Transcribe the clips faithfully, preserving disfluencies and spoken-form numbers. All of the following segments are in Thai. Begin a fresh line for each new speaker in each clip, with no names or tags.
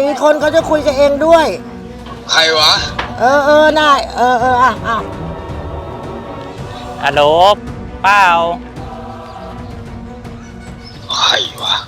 มีคนเขาจะคุยกับเองด้วย
ใครวะ
เออเออได้เออเอออ่ะอ่ะ
ฮัลโหลเป้า
ใครวะ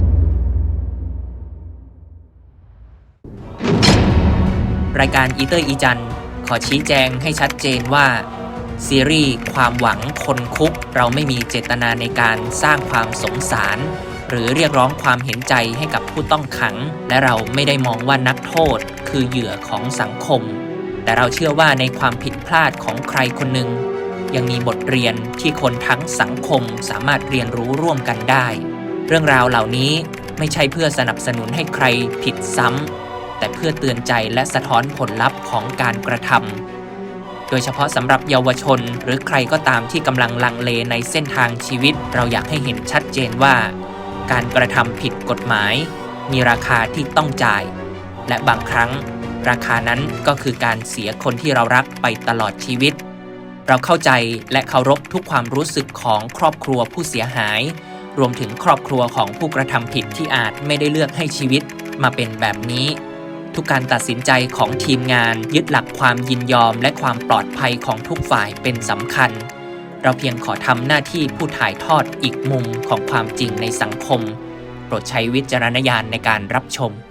รายการอีเตอร์อีจันขอชี้แจงให้ชัดเจนว่าซีรีส์ความหวังคนคุกเราไม่มีเจตนาในการสร้างความสงสารหรือเรียกร้องความเห็นใจให้กับผู้ต้องขังและเราไม่ได้มองว่านักโทษคือเหยื่อของสังคมแต่เราเชื่อว่าในความผิดพลาดของใครคนหนึ่งยังมีบทเรียนที่คนทั้งสังคมสามารถเรียนรู้ร่วมกันได้เรื่องราวเหล่านี้ไม่ใช่เพื่อสนับสนุนให้ใครผิดซ้ำแต่เพื่อเตือนใจและสะท้อนผลลัพธ์ของการกระทำโดยเฉพาะสำหรับเยาวชนหรือใครก็ตามที่กำลังลังเลในเส้นทางชีวิตเราอยากให้เห็นชัดเจนว่าการกระทำผิดกฎหมายมีราคาที่ต้องจ่ายและบางครั้งราคานั้นก็คือการเสียคนที่เรารักไปตลอดชีวิตเราเข้าใจและเคารพทุกความรู้สึกของครอบครัวผู้เสียหายรวมถึงครอบครัวของผู้กระทำผิดที่อาจไม่ได้เลือกให้ชีวิตมาเป็นแบบนี้ทุกการตัดสินใจของทีมงานยึดหลักความยินยอมและความปลอดภัยของทุกฝ่ายเป็นสำคัญเราเพียงขอทำหน้าที่ผู้ถ่ายทอดอีกมุมของความจริงในสังคมโปรดใช้วิจารณญาณในการรับชม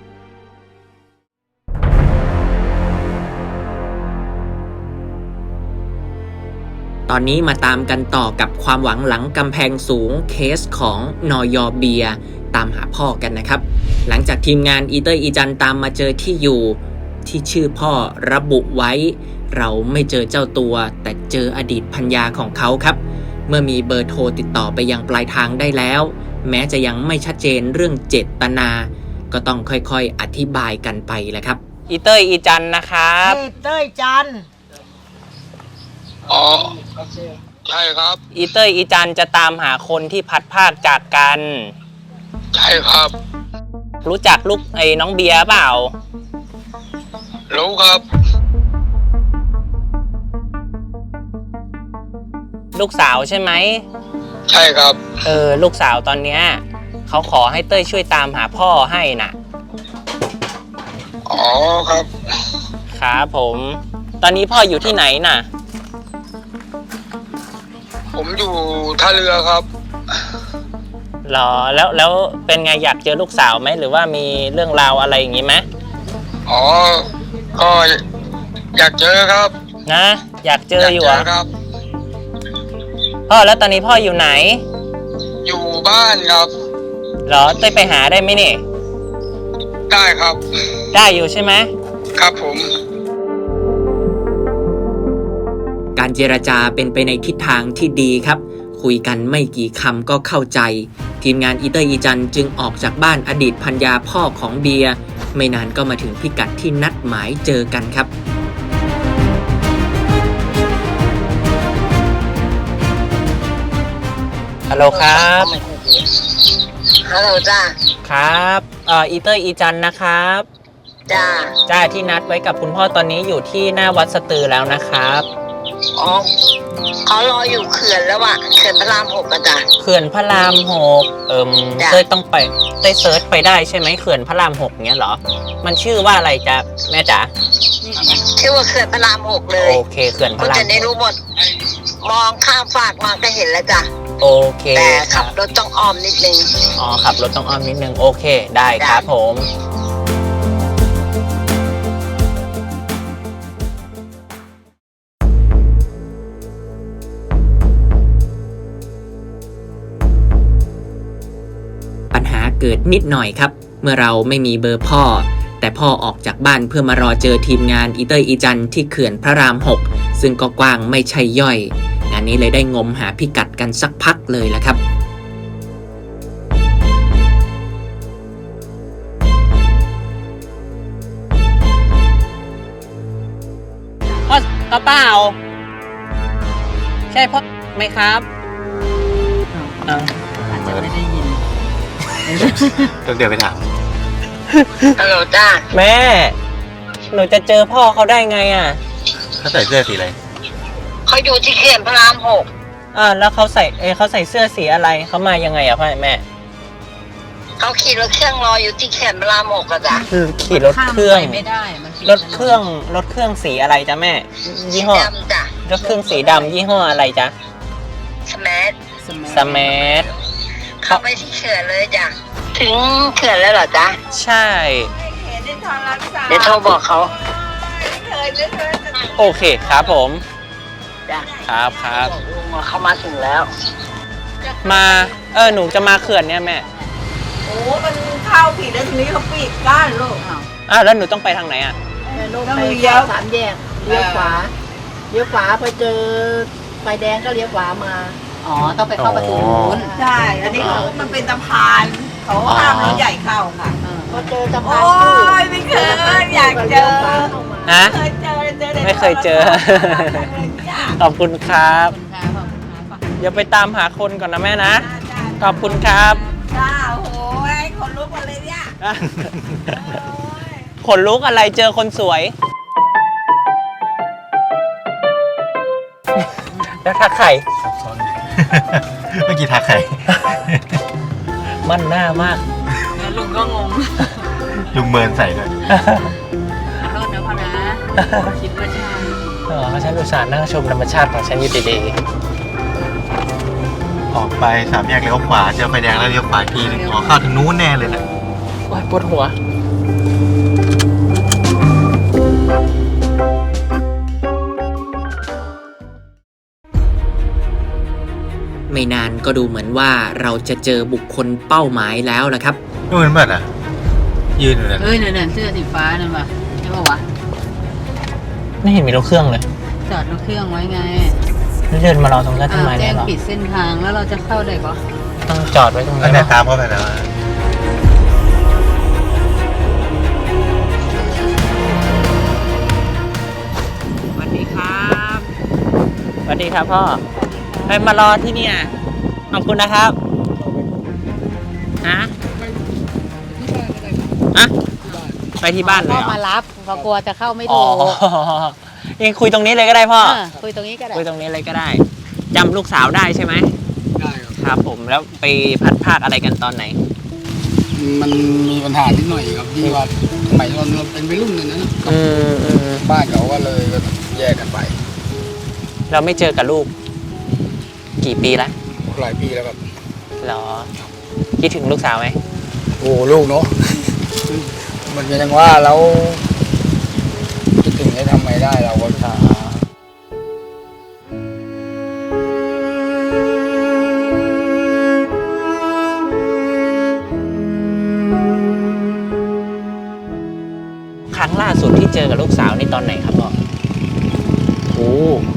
ตอนนี้มาตามกันต่อกับความหวังหลังกำแพงสูงเคสของนยเบียร์ตามหาพ่อกันนะครับหลังจากทีมงานอีเตอร์อีจันตามมาเจอที่อยู่ที่ชื่อพ่อระบุไว้เราไม่เจอเจ้าตัวแต่เจออดีตภรรยาของเขาครับเมื่อมีเบอร์โทรติดต่อไปยังปลายทางได้แล้วแม้จะยังไม่ชัดเจนเรื่องเจตนาก็ต้องค่อยๆอธิบายกันไปแหละครับอีเตอร์อีจันนะครับ
อีเต้ยจัน
อ๋อใช่ครับ
อีเตอร์อีจันจะตามหาคนที่พัดภาคจากกัน
ใช่ครับ
รู้จักลูกไอ้น้องเบียร์เปล่า
รู้ครับ
ลูกสาวใช่ไหม
ใช่ครับ
เออลูกสาวตอนเนี้ยเขาขอให้เต้ยช่วยตามหาพ่อให้น่ะ
อ๋อครับ
ครับผมตอนนี้พ่ออยู่ที่ไหนน่ะ
ผมอยู่ท่าเรือครับ
หรอแล้วแล้วเป็นไงอยากเจอลูกสาวไหมหรือว่ามีเรื่องราวอะไรอย่างงี้ไหม
อ๋อก็อยากเจอครับ
นะอยากเจออยู่อ่ะ
ครับ
พ่อแล้วตอนนี้พ่ออยู่ไหน
อยู่บ้านครับ
หรอเต้ยไปหาได้ไหมนี่
ได้ครับ
ได้อยู่ใช่ไหม
ครับผม
การเจรจาเป็นไปในทิศทางที่ดีครับคุยกันไม่กี่คำก็เข้าใจทีมงานอีเตอร์อีจันจึงออกจากบ้านอดีตภรรยาพ่อของเบียร์ไม่นานก็มาถึงพิกัดที่นัดหมายเจอกันครับฮัลโหลครับ
ฮัลโหลจ้า
ครับเอ่ออีเตอร์อีจันนะครับ
จ้า
จ้าที่นัดไว้กับคุณพ่อตอนนี้อยู่ที่หน้าวัดสตือแล้วนะครับ
อ๋อเขารออยู่เขื่อนแล้วอะเขื่อนพระรามหกอะจ้ะ
เขื่อนพระรามหกเอิมเต้ยต้องไปเต้ยเซิร์ชไปได้ใช่ไหมเขื่อนพระรามหกเนี้ยเหรอมันชื่อว่าอะไรจ๊ะแม่จ๋า
ชื่อว่าเขื่อนพระรามหกเลย
โอเคเขื่อนพระราม
คุณจะได้รู้หมดมองข้ามฟากมาก็เห็นแล้วจ้ะ
โอเค
แต่ขับรถต้องอ้อมนิดนึง
อ๋อขับรถต้องอ้อมนิดนึงโอเคได้ครับผมเกิดนิดหน่อยครับเมื่อเราไม่มีเบอร์พ่อแต่พ่อออกจากบ้านเพื่อมารอเจอทีมงานอีเตอร์อีจันที่เขื่อนพระรามหกซึ่งก็กว้างไม่ใช่ย่อยงานนี้เลยได้งมหาพิกัดกันสักพักเลยละครับพ่อกระเป๋าใช่พ่อไหมครับอ่าไม่ได้ยิน
ต้องเดี๋ยวไปถาม
ฮัลโหลจ้า
แม่หนูจะเจอพ่อเขาได้ไงอ่ะ
เขาใส่เสื้อสีอะไร
เขาอยู่ที่เขื่อนพระรามหก
อ่าแล้วเขาใส่เอเขาใส่เสื้อสีอะไรเขามายังไงอ่ะพ่อแม่
เขาขี่รถเครื่องรออยู่ที่เขื่อนพระรามหกอะจ้ะ
คือขี่รถเครื่อง
ข้ามไปไม่ได้มันผิด
รถเครื่องรถเครื่องสีอะไรจ๊ะแม่ ยี่ห้อ
ดำจ้ะ
รถเครื่องสีดำยี่ห้ออะไรจ๊ะ
สมัท
สมาร์ท
เข้าไปที่เขื่อนเลยจ้ะถึงเขื่อนแล้วเหรอจ๊ะ
ใช่
เดี๋ยวโทรบอกเขา
โอเคครับผม
จ้ะ
ครับครับ
บอกลุงว่าเขามาถึงแล้ว
มาเออหนูจะมาเขื่อนเนี่ยแม่
โอ้มันเข้าผิดแล้วทีนี้เขาปิดกั้นลูกอ้าว
อ้าวแล้วหนูต้องไปทางไหนอ่ะ
ต้องเลี้ยว
สามแยกเลี้ยวขวาเลี้ยวขวาพอเจอไฟแดงก็เลี้ยวขวามา
อ๋อต้องไปเข้าประตูนู้น
ใช่ อันนี้เขามันเป็นสะพาน เขาห้ามรถใหญ่เข้าค่ะ
พอเจอสะพา
โอ้
นคู่
ยไม่เคยอยากเจอ
ฮะ
เคยเจอเจอแต่
ไม่เคยเจอ ขอบคุณครับ เดี๋ยวไปตามหาคนก่อนนะแม่นะ ขอบคุณครับ
จ้าโอ้โหคนลุกหมดเลยเนี่ย
ขนลุกอะไรเจอคนสวย แล้วทักใคร
เมื่อกี้ทักใคร
มั่นหน้ามาก
แล้วลุงก็งง
ลุงเมินใส่ด้วย
ขอโทษนะพ่อนะคิดว่าใช่
อ๋อฉันอุตส่าห์นั่งชมธรรมชาติของฉันอยู่ดี
ออกไปสามแยกเลี้ยวขวาเจอไฟแดงแล้วเลี้ยวขวาอีกทีหนึงอ๋อเข้าทางนู้นแน่เลยนะ
ๆโอ๊ยปวดหัว ไม่นานก็ดูเหมือนว่าเราจะเจอบุคคลเป้าหมายแล้วล่ะครับ
นู่นมันอ่ะ ยืนอยู่นั่น
เอ้ยเนี่ยเสื้อสีฟ้านั่นป่ะใช่ป่าวะ
ไม่เห็นมีรถเครื่องเลย
จอดรถเครื่องไว้ไง
แล้วเดินมารอตรงนั้นทำ
อ้าว
ไม
แจ้
เนี่ย
ง
หรอ
ปิดเส้นทางแล้วเราจะเข้าได้ปะ
ต้องจอดไว้ตรง
อั
นี้
น
น
นี้
เหรอ
ตามเข้าไปแล้วอะ
สวัสดีครับสวัสดีครับพ่อไปมารอที่เนี่ยขอบคุณนะครับฮะอะไปที่บ้านเลย
พ่อ
เหรอ
มารับเขากลัวจะเข้าไม่
อ๋
ถู
อก ยังคุยตรงนี้เลยก็ได้พ่อ
เออคุยตรงนี้ก็ได้
คุยตรงนี้เลยก็ได้จำลูกสาวได้ใช่ไหมได้ครับผมแล้วไปพัดภาคอะไรกันตอนไหน
มันมีปัญหานิดหน่อยครับที่ว่าสมัยเราเราเป็นวัยรุ่นเนี่ยนะ
อืมอืม
บ้านเขาก็เลยแยกกันไป
เราไม่เจอกับลูก กี่ปีละ
หลายปีแล้วครับ
หรอคิดถึงลูกสาวไหม
โอ้ลูกเนาะ มันก็ยังว่าเราคิดถึงได้ทำไงได้เราก็
อ๋อครั้งล่าสุดที่เจอกับลูกสาวนี่ตอนไหนครับพ่อ
โอ้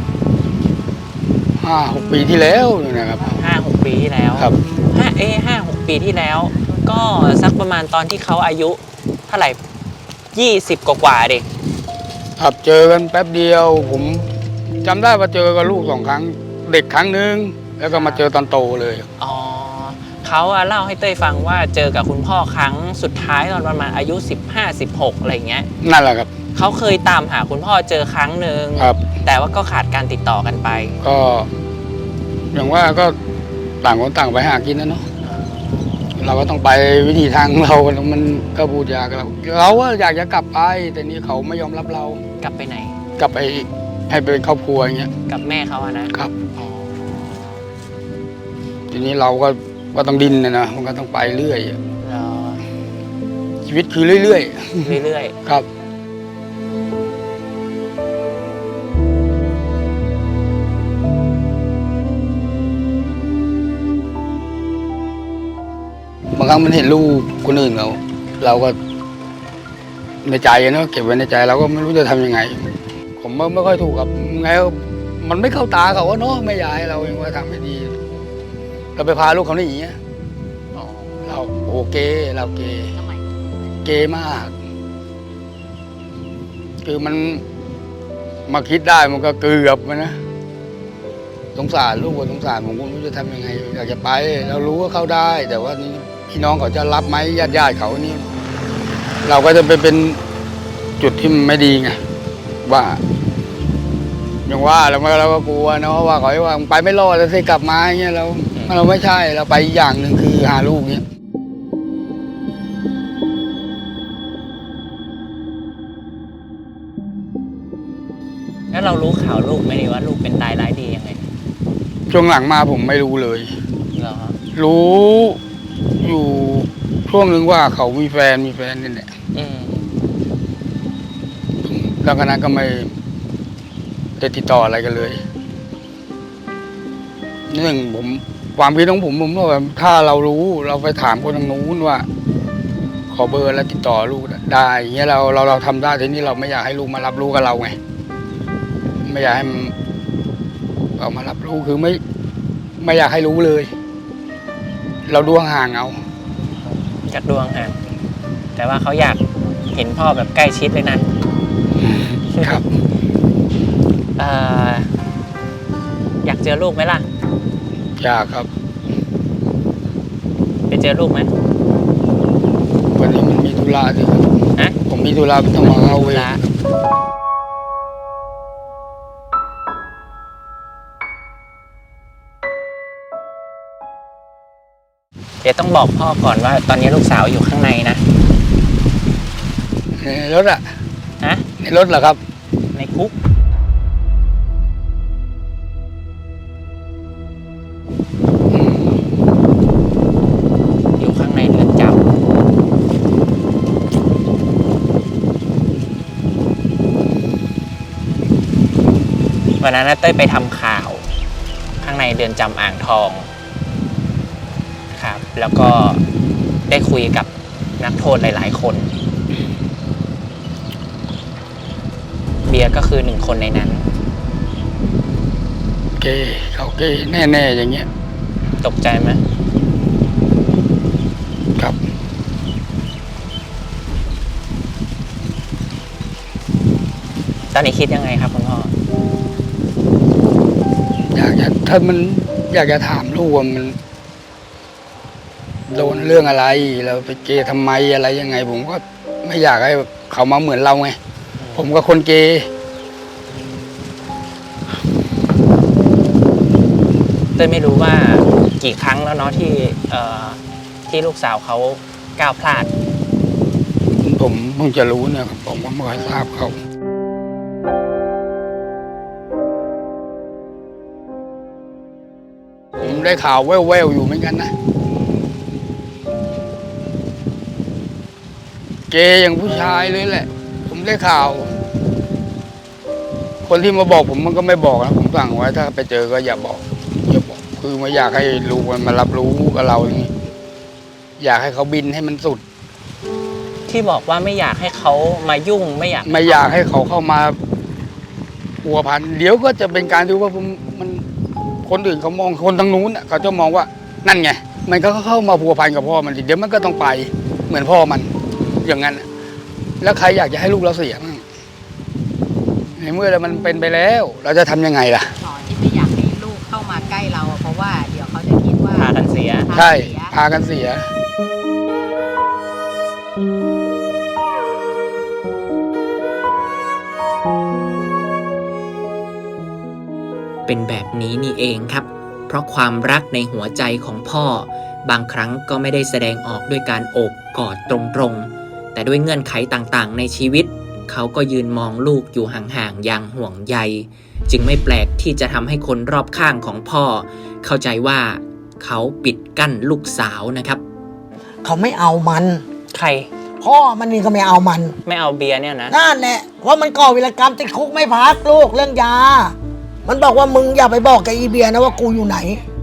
ห้าหกปีที่แล้วนี่นะครับ
ห้าหกปีที่แล้ว
ครับ
ห้าเอ้ห้าหกปีที่แล้ว ก็สักประมาณตอนที่เขาอายุเท่าไหร่ยี่สิบกว่าๆเด็ก
ครับเจอกันแป๊บเดียว ผมจำได้ว่าเจอกับลูกสองครั้ง เด็กครั้งหนึ่งแล้วก็มาเจอตอนโตเลย
อ๋อเขาอะเล่าให้เต้ยฟังว่าเจอกับคุณพ่อครั้งสุดท้ายตอนประมาณอายุสิบห้า สิบหกอะไรเงี้ย
นั่นแหละครับ
เขาเคยตามหาคุณพ่อเจอครั้งหนึ่ง
ครับ
แต่ว่าก็ขาดการติดต่อกันไป
ก็ อย่างว่าก็ต่างคนต่างไปหากินนะเนาะ เราก็ต้องไปวิธีทางเรา มันก็พูดยากเราเราก็อยากจะกลับไป แต่นี่เขาไม่ยอมรับเรา
กลับไปไหน
กลับไปให้เป็นครอบครัวอย่างเงี้ย
กับแม่เขาอะนะครับ อ๋อ
ทีนี้เราก็ก็ต้องดินนะนะมันก็ต้องไปเรื่อย
เหรอ
ชีวิตคือเรื่อย
เรื่อย
ๆ ครับ บางครั้งมันเห็นลูกคนอื่นเราเราก็ในใจอะเนาะเก็บไว้ในใจเราก็ไม่รู้จะทำยังไง ผมไม่ไม่ค่อยถูกกับไงมันไม่เข้าตาเขาว่าเนาะไม่อยากให้เราเองว่าทำไม่ดี เราไปพาลูกเขาหนีอะเราโอเคเราเกเกมาก คือมันมาคิดได้มันก็เกือบมันนะสงสารลูกสงสารผมก็ไม่รู้จะทำยังไงอยากจะไป เรารู้ว่าเข้าได้ แต่ว่านี่พี่น้องเขาจะรับไหมญาติญาติเขานี่ เราก็จะไปเป็นจุดที่มันไม่ดีไงว่าอย่างว่าเราเราก็กลัวเนาะว่าเขาว่าไปไม่รอดแล้วสิกลับมาอย่างเงี้ยเราเราไม่ใช่เราไปอีกอย่างหนึ่งคือหาลูกเนี้ย
เรารู้ข่าวลูกไหมนี่ว่าลูกเป็นตายร้ายดียังไง
ช่วงหลังมาผมไม่รู้เลย
เหรอ
รู้อยู่ช่วงหนึ่งว่าเขามีแฟนมีแฟนนี่แหละ
อืม
หลังจากนั้นก็ไม่ได้ติดต่ออะไรกันเลยหนึ่งผมความคิดของผมผมว่าถ้าเรารู้เราไปถามคนทางนู้นว่า ขอเบอร์แล้วติดต่อลูกได้อย่างเงี้ยเราเราเราทำได้ทีนี้เราไม่อยากให้ลูกมารับรู้กับเราไงไม่อยากให้มันเอามารับรู้คือไม่ไม่อยากให้รู้เลย เราดูห่างๆเอา
จากดวงห่างแต่ว่าเขาอยากเห็นพ่อแบบใกล้ชิดเลยนะครับ เอ่ออยากเจอลูกไหมล่ะ
อยากครับ
ไปเจอลูกไหม
วันนี้มันมีธุระด้วยครับ
ฮะ
ผมมีธุระต้องมาเข้าเวร
ละเดี๋ยวต้องบอกพ่อก่อนว่า ตอนนี้ลูกสาวอยู่ข้างในนะ
ในรถอะ
ฮะ
ในรถเหรอครับ
ในคุก อยู่ข้างในเรือนจำวันนั้นนะเต้ยไปทำข่าว ข้างในเรือนจำอ่างทองครับ แล้วก็ได้คุยกับนักโทษหลายๆคน เบียร์ก็คือหนึ่งคนในนั้น
เกย์เขาเกย์แน่ๆอย่างเงี้ย
ตกใจไหม
ครับ
ตอนนี้คิดยังไงครับคุณพ่อ
อยากจะถ้ามันอยากจะถามลูกว่ามันโดนเรื่องอะไรเราไปเกย์ทำไมอะไรยังไง ผมก็ไม่อยากให้เขามาเหมือนเราไงผมก็คนเกย์
เต้ยไม่รู้ว่ากี่ครั้งแล้วเนาะที่เอ่อที่ลูกสาวเขาก้าวพลาด
ผมเพิ่งจะรู้เนี่ยครับผมก็ไม่ค่อยทราบเขาผมได้ข่าวแว่วๆอยู่เหมือนกันนะเกย์อย่างผู้ชายเลยแหละ ผมได้ข่าว คนที่มาบอกผมมันก็ไม่บอกนะผมสั่งไว้ถ้าไปเจอก็อย่าบอกอย่าบอกคือไม่อยากให้ลูกมันมารับรู้กับเราอย่างนี้อยากให้เขาบินให้มันสุด
ที่บอกว่าไม่อยากให้เขามายุ่งไม่อยาก
ไม่อยากให้เขาเข้ามาพัวพันเดี๋ยวก็จะเป็นการที่ว่าผมมันคนอื่นเขามองคนทางนู้นน่ะเขาจะมองว่านั่นไงมันก็เข้ามาพัวพันกับพ่อมันเดี๋ยวมันก็ต้องไปเหมือนพ่อมันอย่างนั้นแล้วใครอยากจะให้ลูกเราเสียบ้างในเมื่อมันเป็นไปแล้วเราจะทำยังไงล่ะ
หมอที่ไม่อยากให้ลูกเข้ามาใกล้เราอะเพราะว่าเดี๋ยวเขาจะคิดว่า
พากันเสีย
ใช่พากันเสีย
เป็นแบบนี้นี่เองครับ เพราะความรักในหัวใจของพ่อบางครั้งก็ไม่ได้แสดงออกด้วยการโอบกอดตรงๆแต่ด้วยเงื่อนไขต่างๆในชีวิตเขาก็ยืนมองลูกอยู่ห่างๆอย่างห่วงใยจึงไม่แปลกที่จะทำให้คนรอบข้างของพ่อเข้าใจว่าเขาปิดกั้นลูกสาวนะครับ
เขาไม่เอามัน
ใคร
พ่อมันนี่ก็ไม่เอามัน
ไม่เอาเบียร์เนี่ยนะ
นั่นแหละว่ามันก่อวีรกรรมติดคุกไม่พักลูกเรื่องยา มันบอกว่ามึงอย่าไปบอกกับอีเบียนะว่ากูอยู่ไหน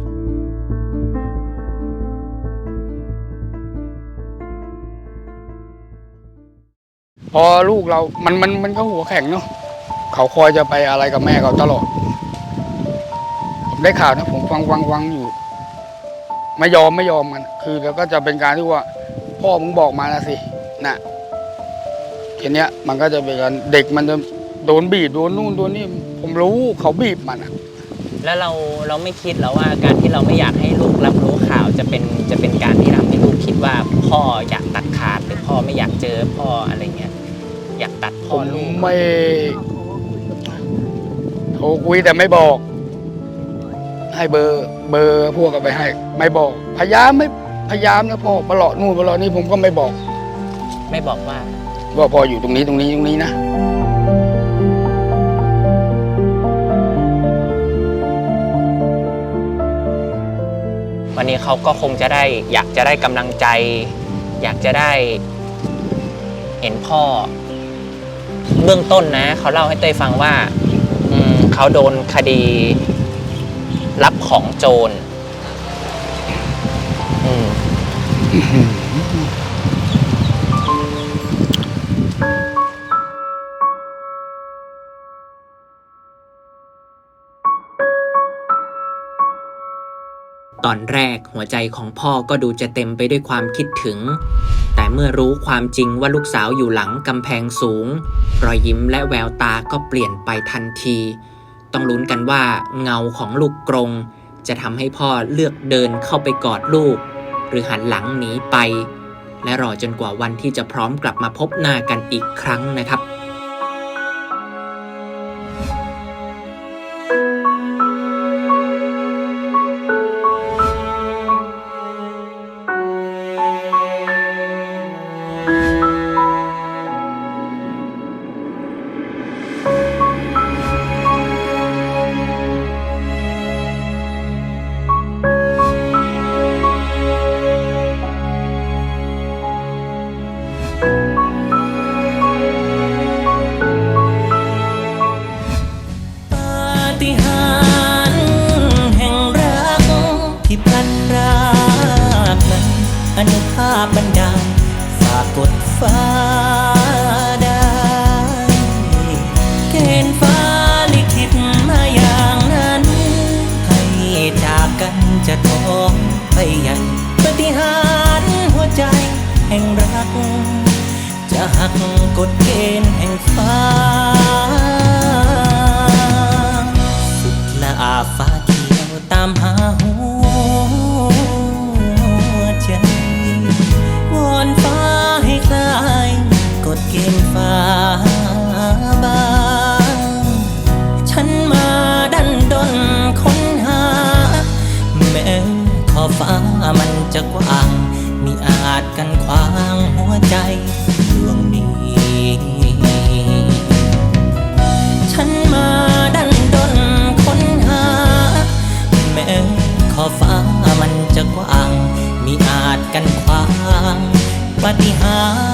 พอลูกเรา มันมันมันก็หัวแข็งเนาะเขาคอยจะไปอะไรกับแม่เขาตลอดผมได้ข่าวนะผมฟังฟังฟังอยู่ ไม่ยอมไม่ยอมกันคือแล้วก็จะเป็นการที่ว่า พ่อมึงบอกมานะสินะทีเนี้ยมันก็จะเป็นการเด็กมันจะโดนบีบโดนนู่นโดนนี่ผมรู้เขาบีบมันอะ
แล้วเราเราไม่คิดแล้วว่าการที่เราไม่อยากให้ลูกรับรู้ข่าวจะเป็นจะเป็นการที่ทำให้ลูกคิดว่าพ่ออยากตัดขาดหรือพ่อไม่อยากเจอพ่ออะไรเงี้ยอยากตัด
ผ
พ่อ
ม
ลูก
ไม่โทรคุยแต่ไม่บอก ให้เบอร์เบอร์พวกกันไปให้ ไม่บอก พยายามไม่พยายามนะพ่อปลอดนู่นปลอดนี่ผมก็ไม่บอก
ไม่บอกว่า
ว่าพ่ออยู่ตรงนี้ตรงนี้ตรงนี้นะ
วันนี้เขาก็คงจะได้อยากจะได้กำลังใจ อยากจะได้เห็นพ่อเบื้องต้นนะเขาเล่าให้เต้ยฟังว่าอืมเขาโดนคดีรับของโจรอืมตอนแรกหัวใจของพ่อก็ดูจะเต็มไปด้วยความคิดถึงแต่เมื่อรู้ความจริงว่าลูกสาวอยู่หลังกำแพงสูงรอยยิ้มและแววตาก็เปลี่ยนไปทันทีต้องลุ้นกันว่าเงาของลูกกรงจะทำให้พ่อเลือกเดินเข้าไปกอดลูกหรือหันหลังหนีไปและรอจนกว่าวันที่จะพร้อมกลับมาพบหน้ากันอีกครั้งนะครับอนุภาพบันดาลฝากกดฟ้าได้เกณฑ์ฟ้าลิขิตมาอย่างนั้นให้จากกันจะท้องไปใหญ่ปฏิหารย์หัวใจแห่งรักจะหักกฎเกณฑ์แห่งฟ้าสุดละอาฟ้าเขียวตามหาหัวใจวอนฟ้าให้คลายกฎเกณฑ์ฟ้าบางฉันมาดันดนค้นหาแม้ขอบฟ้ามันจะกว้างมิอาจกันขวางหัวใจดวงนี้ฉันมาดันดนค้นหาแม้ขอบฟ้ามันจะกว้างมิอาจกันขวางปาฏิหาริย์